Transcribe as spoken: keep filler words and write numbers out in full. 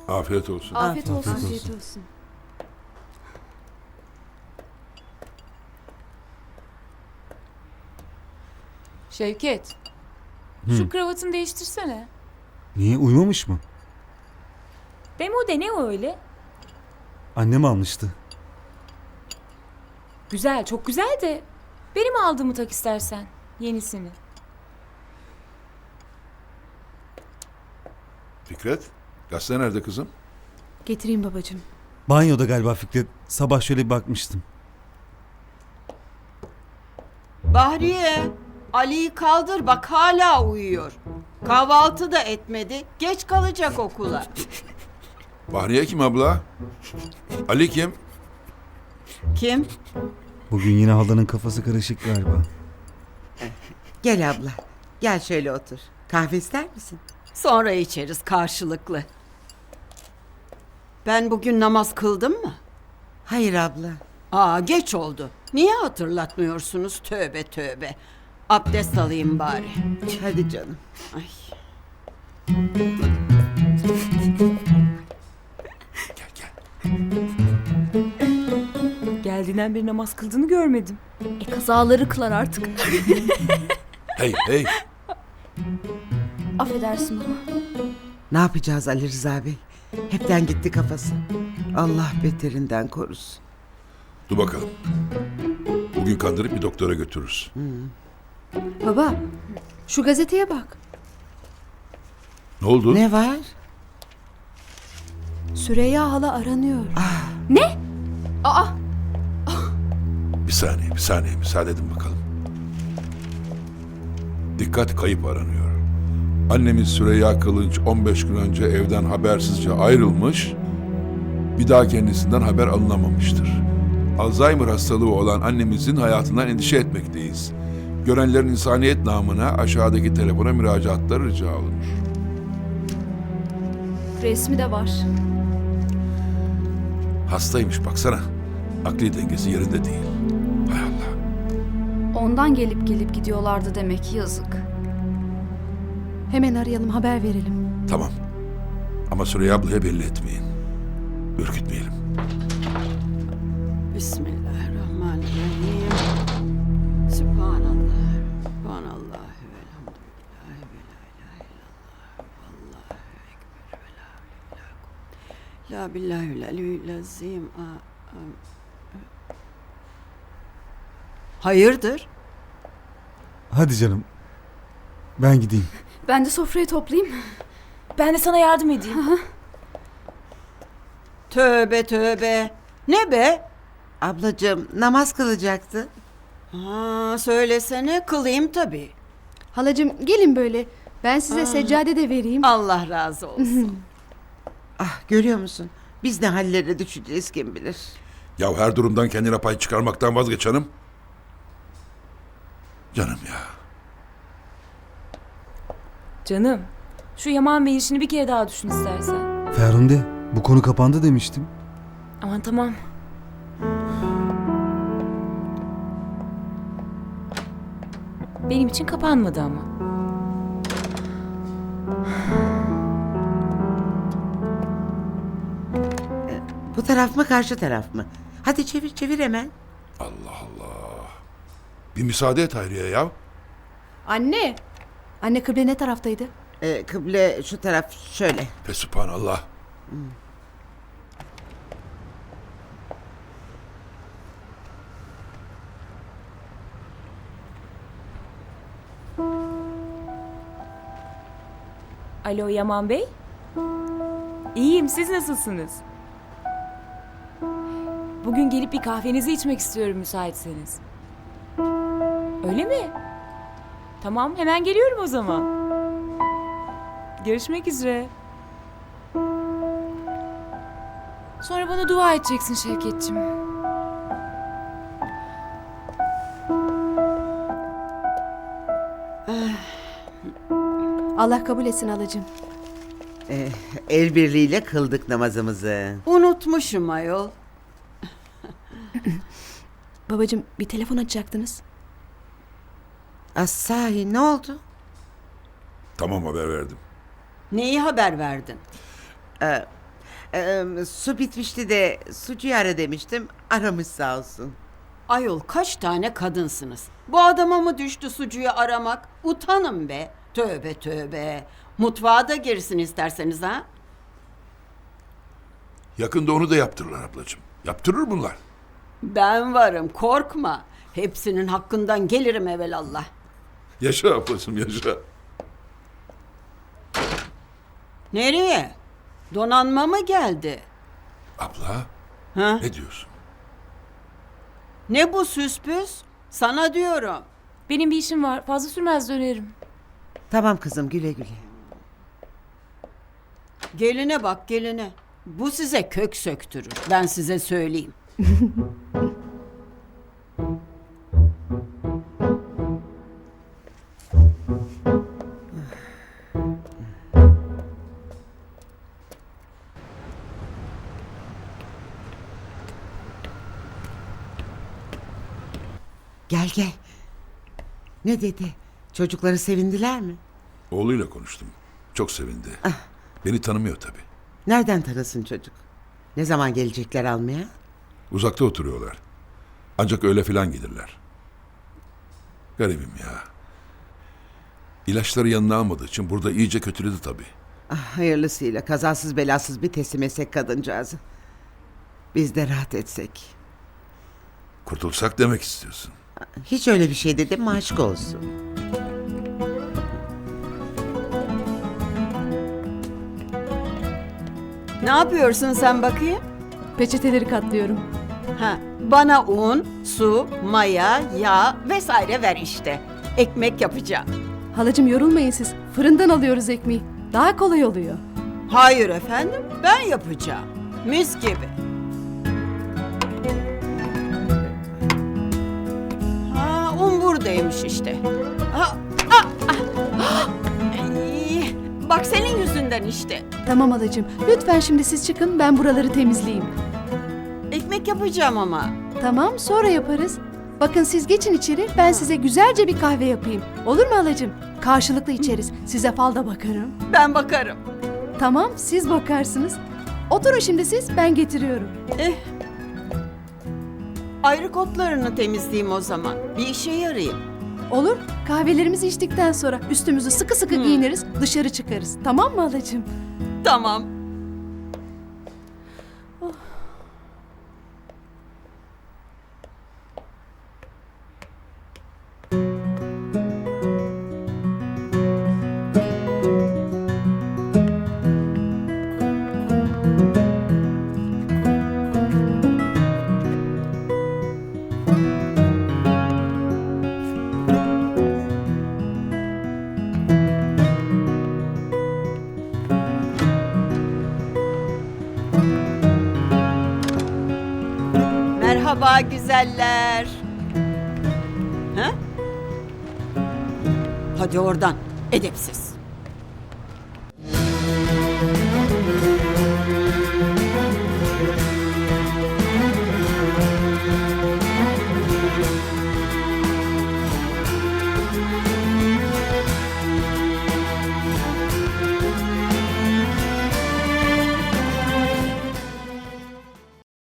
Afiyet olsun. Afiyet olsun. Afiyet olsun. Şevket. Şu kravatını değiştirsene. Niye, uyumamış mı? Demo de ne o öyle? Annem almıştı. Güzel, çok güzel de benim aldığımı tak istersen. Yenisini. Fikret, gazete nerede kızım? Getireyim babacığım. Banyoda galiba Fikret. Sabah şöyle bir bakmıştım. Bahriye, Ali'yi kaldır bak hala uyuyor. Kahvaltı da etmedi. Geç kalacak okula. Bahriye kim abla? Ali kim? Kim? Bugün yine halanın kafası karışık galiba. Gel abla. Gel şöyle otur. Kahve ister misin? Sonra içeriz karşılıklı. Ben bugün namaz kıldım mı? Hayır abla. Aa geç oldu. Niye hatırlatmıyorsunuz? Tövbe tövbe. Abdest alayım bari. Hadi canım. Ay. Gel gel. Geldiğinden beri namaz kıldığını görmedim. E kazaları kılar artık. Hey hey. Affedersin baba. Ne yapacağız Ali Rıza Bey? Hepten gitti kafası. Allah beterinden korusun. Dur bakalım. Bugün kandırıp bir doktora götürürüz. Baba, şu gazeteye bak. Ne oldu? Ne var? Süreyya hala aranıyor. Bir saniye, bir saniye. Müsaade edin bakalım. Dikkat, kayıp aranıyor. Annemiz Süreyya Kılınç on beş gün önce evden habersizce ayrılmış, bir daha kendisinden haber alınamamıştır. Alzheimer hastalığı olan annemizin hayatından endişe etmekteyiz. Görenlerin insaniyet namına aşağıdaki telefona müracaatları rica olunur. Resmi de var. Hastaymış baksana. Akli dengesi yerinde değil. Hay Allah. Ondan gelip gelip gidiyorlardı demek, yazık. Hemen arayalım, haber verelim. Tamam. Ama Süreyya ablaya belli etmeyin. Ürkütmeyelim. Bismillahirrahmanirrahim. Sübhanallah. Sübhanallah. Velhamdülillah. Ve la ilahe illallah. Allahu ekber. Ve la havle ve la kuvvete. La billahil aliyyil azim. A- a- Hayırdır? Hadi canım. Ben gideyim. Ben de sofrayı toplayayım. Ben de sana yardım edeyim. Tövbe tövbe. Ne be? Ablacığım namaz kılacaktı. Ha, söylesene kılayım tabii. Halacığım gelin böyle. Ben size seccade de vereyim. Allah razı olsun. Ah görüyor musun? Biz ne hallere düşeceğiz kim bilir. Ya her durumdan kendine pay çıkarmaktan vazgeç hanım. Canım ya. Canım, şu Yaman Bey işini bir kere daha düşün istersen. Ferhunde, bu konu kapandı demiştim. Aman tamam. Benim için kapanmadı ama. Bu taraf mı karşı taraf mı? Hadi çevir çevir hemen. Allah Allah. Bir müsaade et Hayriye ya. Anne. Anne kıble ne taraftaydı? Ee, kıble şu taraf şöyle. Fesubhanallah. Alo Yaman Bey. İyiyim, siz nasılsınız? Bugün gelip bir kahvenizi içmek istiyorum müsaitseniz. Öyle mi? Tamam, hemen geliyorum o zaman. Görüşmek üzere. Sonra bana dua edeceksin Şevketciğim. Allah kabul etsin halacığım. Ee, el birliğiyle kıldık namazımızı. Unutmuşum ayol. Babacığım bir telefon açacaktınız. Az sahi ne oldu? Tamam haber verdim. Neyi haber verdin? Ee, Ee, su bitmişti de sucuyu ara demiştim. Aramış sağ olsun. Ayol kaç tane kadınsınız? Bu adama mı düştü sucuyu aramak? Utanın be. Tövbe tövbe. Mutfağa da girsin isterseniz ha. Yakında onu da yaptırırlar ablacığım. Yaptırır bunlar. Ben varım, korkma. Hepsinin hakkından gelirim evelallah. Yaşa ablacığım yaşa. Nereye? Donanma mı geldi? Abla Ha? ne diyorsun? Ne bu süspüs? Sana diyorum. Benim bir işim var. Fazla sürmez dönerim. Tamam kızım, güle güle. Geline bak geline. Bu size kök söktürür. Ben size söyleyeyim. Gel gel. Ne dedi? Çocukları sevindiler mi? Oğluyla konuştum. Çok sevindi. Beni tanımıyor tabii. Nereden tanısın çocuk? Ne zaman gelecekler almaya? Uzakta oturuyorlar. Ancak öyle filan gelirler. Garibim ya. İlaçları yanına almadığı için burada iyice kötüledi tabii. Ah, hayırlısıyla kazasız belasız bir teslim etsek kadıncağızı. Biz de rahat etsek. Kurtulsak demek istiyorsun. Hiç öyle bir şey dedim mi aşk olsun. Ne yapıyorsun sen bakayım? Peçeteleri katlıyorum. Ha, bana un, su, maya, yağ vesaire ver işte. Ekmek yapacağım. Halacığım yorulmayın siz. Fırından alıyoruz ekmeği. Daha kolay oluyor. Hayır efendim, ben yapacağım. Mis gibi. Ha, un buradaymış işte. Ha, ah, ah, ah. Ay, bak senin yüzünden işte. Tamam halacığım. Lütfen şimdi siz çıkın, ben buraları temizleyeyim. Ekmek yapacağım ama. Tamam, sonra yaparız. Bakın siz geçin içeri, ben size güzelce bir kahve yapayım. Olur mu halacığım? Karşılıklı içeriz. Size fal da bakarım. Ben bakarım. Tamam, siz bakarsınız. Oturun şimdi siz, ben getiriyorum. Eh. Ayrı kotlarını temizleyeyim o zaman. Bir işe yarayayım. Olur, kahvelerimizi içtikten sonra üstümüzü sıkı sıkı Hmm. giyiniriz, dışarı çıkarız. Tamam mı halacığım? Tamam. Merhaba güzeller. Ha? Hadi oradan, edepsiz.